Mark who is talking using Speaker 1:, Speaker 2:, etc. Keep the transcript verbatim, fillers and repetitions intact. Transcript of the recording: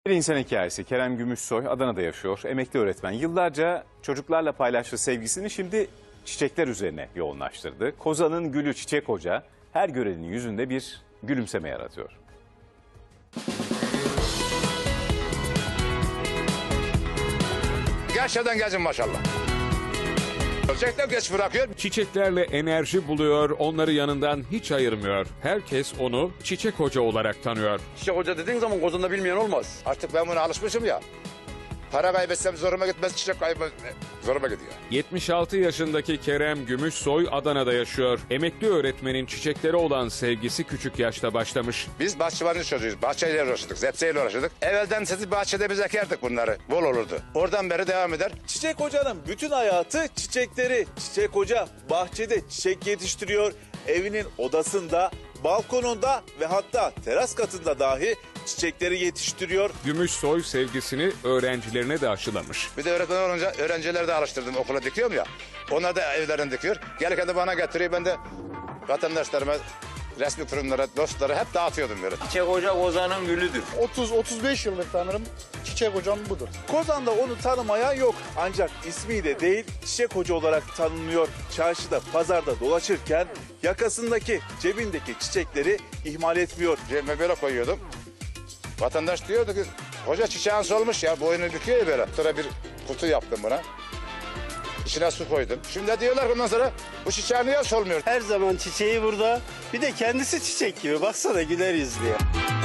Speaker 1: Bir insan hikayesi. Kerem Gümüşsoy Adana'da yaşıyor. Emekli öğretmen. Yıllarca çocuklarla paylaştığı sevgisini şimdi çiçekler üzerine yoğunlaştırdı. Kozan'ın gülü Çiçek Hoca her görenin yüzünde bir gülümseme yaratıyor.
Speaker 2: Gerçekten gezin maşallah. Gerçekten geç bırakıyor.
Speaker 3: Çiçeklerle enerji buluyor, onları yanından hiç ayırmıyor. Herkes onu Çiçek Hoca olarak tanıyor.
Speaker 2: Çiçek Hoca dediğin zaman Kozan'da bilmeyen olmaz. Artık ben buna alışmışım ya. Para kaybetsem zoruma gitmez, çiçek kaybı zoruma gidiyor.
Speaker 3: yetmiş altı yaşındaki Kerem Gümüşsoy Adana'da yaşıyor. Emekli öğretmenin çiçeklere olan sevgisi küçük yaşta başlamış.
Speaker 2: Biz bahçıvanın çocuğuyuz. Bahçeyle uğraşırdık, zepseyle uğraşırdık. Evvelden sizi bahçede biz ekerdik bunları. Bol olurdu. Oradan beri devam eder.
Speaker 4: Çiçek Hoca'nın bütün hayatı çiçekleri. Çiçek Hoca bahçede çiçek yetiştiriyor. Evinin odasında, balkonunda ve hatta teras katında dahi çiçekleri yetiştiriyor.
Speaker 3: Gümüşsoy sevgisini öğrencilerine de aşılamış.
Speaker 2: Bir de öğretmen olunca öğrencileri de alıştırdım. Okula dikiyorum ya. Onlar da evlerine dikiyor. Gelirken de bana getiriyor. Ben de vatandaşlarıma, resmi kurumlara, dostlara hep dağıtıyordum böyle.
Speaker 5: Çiçek Hoca Kozan'ın gülüdür.
Speaker 6: otuz otuz beş yıllık tanırım. Çiçek Hocam budur.
Speaker 4: Kozan'da onu tanımaya yok. Ancak ismiyle değil Çiçek Hoca olarak tanınıyor. Çarşıda, pazarda dolaşırken yakasındaki, cebindeki çiçekleri ihmal etmiyor.
Speaker 2: Cebime böyle koyuyordum. Vatandaş diyordu ki, hoca çiçeğin solmuş ya, boynu büküyor ya böyle. Sonra bir kutu yaptım buna. İçine su koydum. Şimdi diyorlar ki ondan sonra, bu çiçeğin niye solmuyor?
Speaker 6: Her zaman çiçeği burada. Bir de kendisi çiçek gibi. Baksana güler yüzlü ya.